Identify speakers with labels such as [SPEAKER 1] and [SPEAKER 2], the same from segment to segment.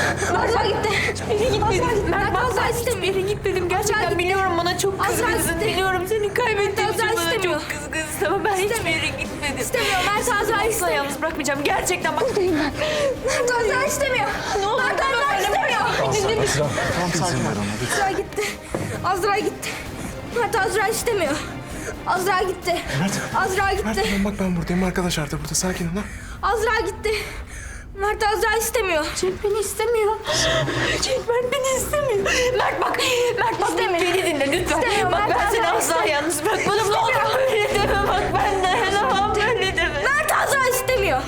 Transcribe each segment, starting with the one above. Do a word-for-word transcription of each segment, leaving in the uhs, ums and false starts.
[SPEAKER 1] Azra gitti.
[SPEAKER 2] Hiçbir yere gitmedim.
[SPEAKER 1] Mert
[SPEAKER 2] Mert
[SPEAKER 1] Azra
[SPEAKER 2] ben
[SPEAKER 1] istemiyor.
[SPEAKER 2] hiçbir yere gitmedim. Gerçekten
[SPEAKER 1] gitti.
[SPEAKER 2] biliyorum bana çok
[SPEAKER 1] Azra
[SPEAKER 2] kızgınsın.
[SPEAKER 1] gitti.
[SPEAKER 2] Biliyorum seni kaybettiğim
[SPEAKER 1] Azra
[SPEAKER 2] için bana
[SPEAKER 1] istemiyor.
[SPEAKER 2] çok kızgınsın ama ben hiçbir yere gitmedim.
[SPEAKER 1] İstemiyor. Mert Azra
[SPEAKER 2] Asla
[SPEAKER 1] istemiyor.
[SPEAKER 2] yalnız bırakmayacağım. Gerçekten bak.
[SPEAKER 1] Buradayım ben. Mert Azra istemiyor.
[SPEAKER 2] Ne olur
[SPEAKER 1] Mert Azra istemiyor.
[SPEAKER 3] Tamam izin ver ona lütfen.
[SPEAKER 1] Azra gitti. Azra gitti. Mert Azra istemiyor. Azra gitti.
[SPEAKER 3] Mert.
[SPEAKER 1] Azra gitti.
[SPEAKER 3] Mert tamam bak ben buradayım. Arkadaşlar da burada. Sakin ol ha.
[SPEAKER 1] Azra gitti. Mert Azra istemiyor.
[SPEAKER 2] Cenk beni istemiyor. Cenk Mert beni istemiyor. Mert bak. Mert bak
[SPEAKER 1] İstemiyor.
[SPEAKER 2] beni dinle lütfen.
[SPEAKER 1] İstemiyor,
[SPEAKER 2] Bak
[SPEAKER 1] Mert
[SPEAKER 2] ben seni
[SPEAKER 1] Azra
[SPEAKER 2] asla
[SPEAKER 1] istemiyor.
[SPEAKER 2] yalnız bırakmadım. Ne olur böyle deme bak ben dayanamam. Böyle deme.
[SPEAKER 1] Mert Azra istemiyor.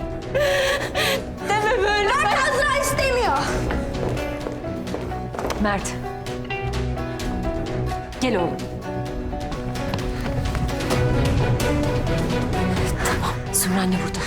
[SPEAKER 2] Deme böyle.
[SPEAKER 1] Mert Azra istemiyor.
[SPEAKER 2] Mert. Gel oğlum. Tamam. Sumru anne burada.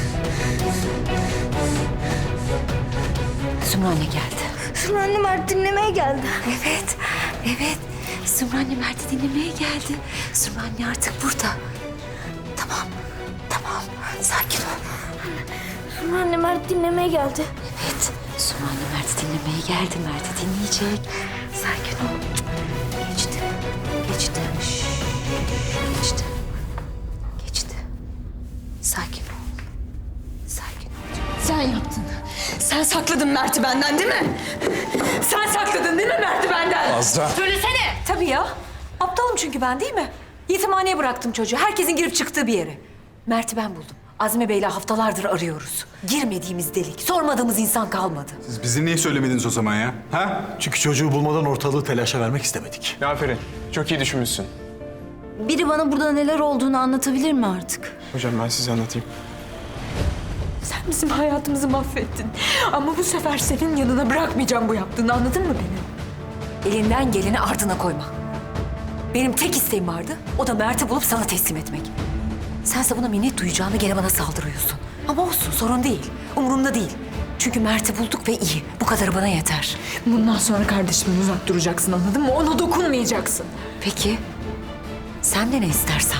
[SPEAKER 2] Sumru anne geldi.
[SPEAKER 1] Sumru anne Mert dinlemeye geldi.
[SPEAKER 2] Evet, evet. Sumru anne Mert'i dinlemeye geldi. Sumru anne artık burada. Tamam, tamam. Sakin ol.
[SPEAKER 1] Sumru anne Mert dinlemeye geldi.
[SPEAKER 2] Evet, Sumru anne Mert'i dinlemeye geldi. Mert'i dinleyecek. Sakin ol. Geçti, geçti. Şşş, geçti. Geçti. Sakin ol. Sakin ol. Sen yaptın. Sen sakladın Mert'i benden değil mi? Sen sakladın değil mi Mert'i benden?
[SPEAKER 3] Azra.
[SPEAKER 2] Söylesene. Tabii ya. Aptalım çünkü ben değil mi? Yetimhaneye bıraktım çocuğu. Herkesin girip çıktığı bir yere. Mert'i ben buldum. Azmi Bey'le haftalardır arıyoruz. Girmediğimiz delik, sormadığımız insan kalmadı.
[SPEAKER 4] Siz bize niye söylemediniz o zaman ya? Ha?
[SPEAKER 5] Çünkü çocuğu bulmadan ortalığı telaşa vermek istemedik.
[SPEAKER 3] Aferin. Çok iyi düşünmüşsün.
[SPEAKER 6] Biri bana burada neler olduğunu anlatabilir mi artık?
[SPEAKER 3] Hocam ben size anlatayım.
[SPEAKER 2] Sen bizim hayatımızı mahvettin. Ama bu sefer senin yanına bırakmayacağım bu yaptığını, anladın mı beni? Elinden geleni ardına koyma. Benim tek isteğim vardı, o da Mert'i bulup sana teslim etmek. Sense buna minnet duyacağını gene bana saldırıyorsun. Ama olsun, sorun değil. Umurumda değil. Çünkü Mert'i bulduk ve iyi. Bu kadarı bana yeter. Bundan sonra kardeşimden uzak duracaksın, anladın mı? Ona dokunmayacaksın. Peki, sen de ne istersen.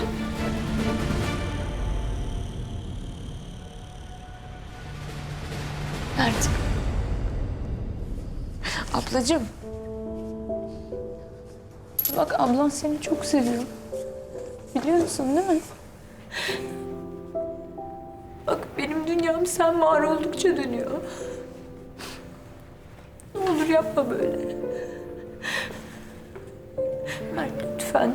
[SPEAKER 6] Mert. Ablacığım. Bak ablan seni çok seviyor. Biliyorsun değil mi?
[SPEAKER 2] Bak benim dünyam sen var oldukça dönüyor. Ne olur yapma böyle. Mert lütfen.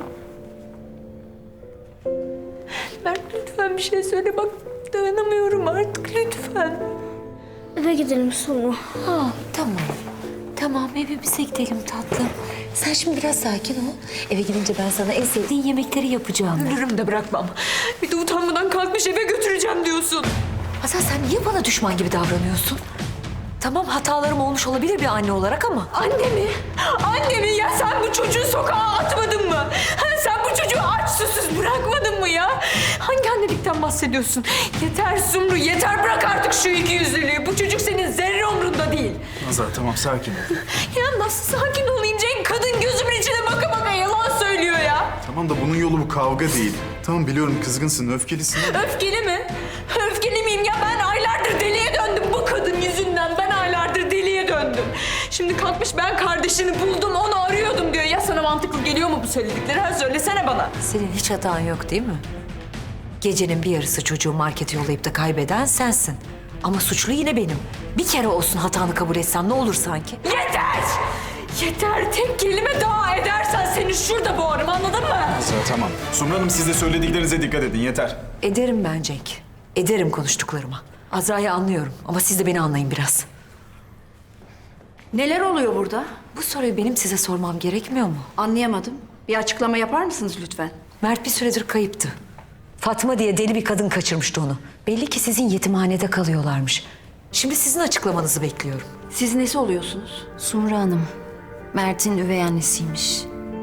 [SPEAKER 2] Mert lütfen bir şey söyle bak dayanamıyorum artık lütfen.
[SPEAKER 1] Eve gidelim Sumru.
[SPEAKER 2] Ha tamam. Tamam evimize gidelim tatlım. Sen şimdi biraz sakin ol. Eve gidince ben sana en sevdiğin yemekleri yapacağım. Ölürüm de bırakmam. Bir de utanmadan kalkmış eve götüreceğim diyorsun. Hasan sen niye bana düşman gibi davranıyorsun? Tamam hatalarım olmuş olabilir bir anne olarak ama. Anne mi? Anne mi? Ya sen bu çocuğu sokağa atmadın mı? Ha, sen bu çocuğu aç susuz bırakmadın mı ya? Hangi annelikten bahsediyorsun? Yeter Sumru yeter bırak artık şu iki yüzlülüğü. Bu çocuk senin zerre umrunda değil.
[SPEAKER 4] Azra tamam sakin ol.
[SPEAKER 2] Ya nasıl sakin olayım Cenk? Kadın gözümün içine baka baka yalan söylüyor ya.
[SPEAKER 4] Tamam da bunun yolu bu kavga değil. Tamam biliyorum kızgınsın, öfkelisin.
[SPEAKER 2] Öfkeli mi? Öfkeli miyim ya? Ben aylardır deliye döndüm bu kadın yüzünden. Ben aylardır deliye döndüm. Şimdi kalkmış ben kardeşini buldum, onu arıyordum diyor. Ya sana mantıklı geliyor mu bu söyledikleri? Ha söylesene bana. Senin hiç hatan yok değil mi? Gecenin bir yarısı çocuğu markete yollayıp da kaybeden sensin. Ama suçlu yine benim. Bir kere olsun hatanı kabul etsem ne olur sanki? Yeter! Yeter! Tek kelime daha edersen seni şurada boğarım anladın mı?
[SPEAKER 4] Azra tamam. Sumru Hanım siz de söylediklerinize dikkat edin yeter.
[SPEAKER 2] Ederim ben Cenk. Ederim konuştuklarıma. Azra'yı anlıyorum ama siz de beni anlayın biraz.
[SPEAKER 6] Neler oluyor burada?
[SPEAKER 2] Bu soruyu benim size sormam gerekmiyor mu?
[SPEAKER 6] Anlayamadım. Bir açıklama yapar mısınız lütfen?
[SPEAKER 2] Mert bir süredir kayıptı. Fatma diye deli bir kadın kaçırmıştı onu. Belli ki sizin yetimhanede kalıyorlarmış. Şimdi sizin açıklamanızı bekliyorum.
[SPEAKER 6] Siz nesi oluyorsunuz?
[SPEAKER 7] Sumru Hanım, Mert'in üvey annesiymiş.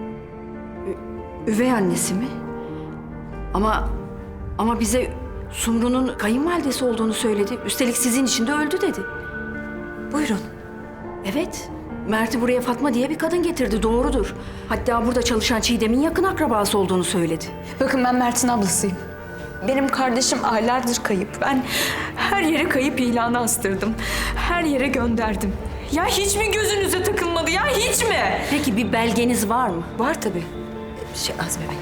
[SPEAKER 6] Üvey annesi mi? Ama ama bize Sumru'nun kayınvalidesi olduğunu söyledi. Üstelik sizin için de öldü dedi.
[SPEAKER 2] Buyurun.
[SPEAKER 6] Evet. Mert'i buraya Fatma diye bir kadın getirdi, doğrudur. Hatta burada çalışan Çiğdem'in yakın akrabası olduğunu söyledi.
[SPEAKER 7] Bakın ben Mert'in ablasıyım.
[SPEAKER 2] Benim kardeşim aylardır kayıp. Ben her yere kayıp ilanı astırdım. Her yere gönderdim. Ya hiç mi gözünüze takılmadı ya, hiç mi?
[SPEAKER 6] Peki bir belgeniz var mı?
[SPEAKER 2] Var tabii. Şey Azmi Bey.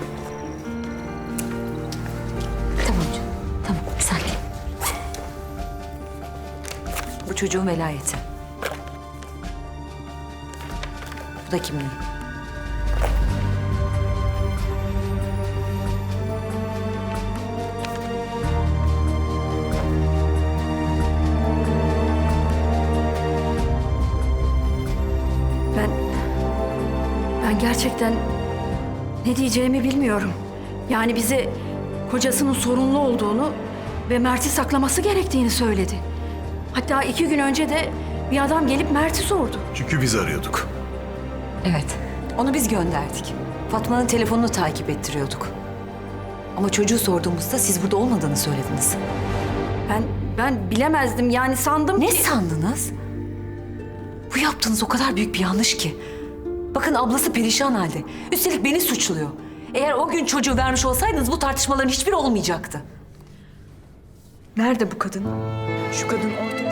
[SPEAKER 2] Tamam canım. Tamam sakin. Bu çocuğun velayeti. Bu da kimliği.
[SPEAKER 6] Ben... Ben gerçekten ne diyeceğimi bilmiyorum. Yani bize kocasının sorunlu olduğunu ve Mert'i saklaması gerektiğini söyledi. Hatta iki gün önce de bir adam gelip Mert'i sordu.
[SPEAKER 5] Çünkü biz arıyorduk.
[SPEAKER 2] Evet. Onu biz gönderdik. Fatma'nın telefonunu takip ettiriyorduk. Ama çocuğu sorduğumuzda siz burada olmadığını söylediniz.
[SPEAKER 6] Ben ben bilemezdim yani sandım
[SPEAKER 2] Ne
[SPEAKER 6] ki...
[SPEAKER 2] sandınız? Bu yaptığınız o kadar büyük bir yanlış ki. Bakın ablası perişan halde. Üstelik beni suçluyor. Eğer o gün çocuğu vermiş olsaydınız bu tartışmaların hiçbiri olmayacaktı. Nerede bu kadın? Şu kadın ortaya...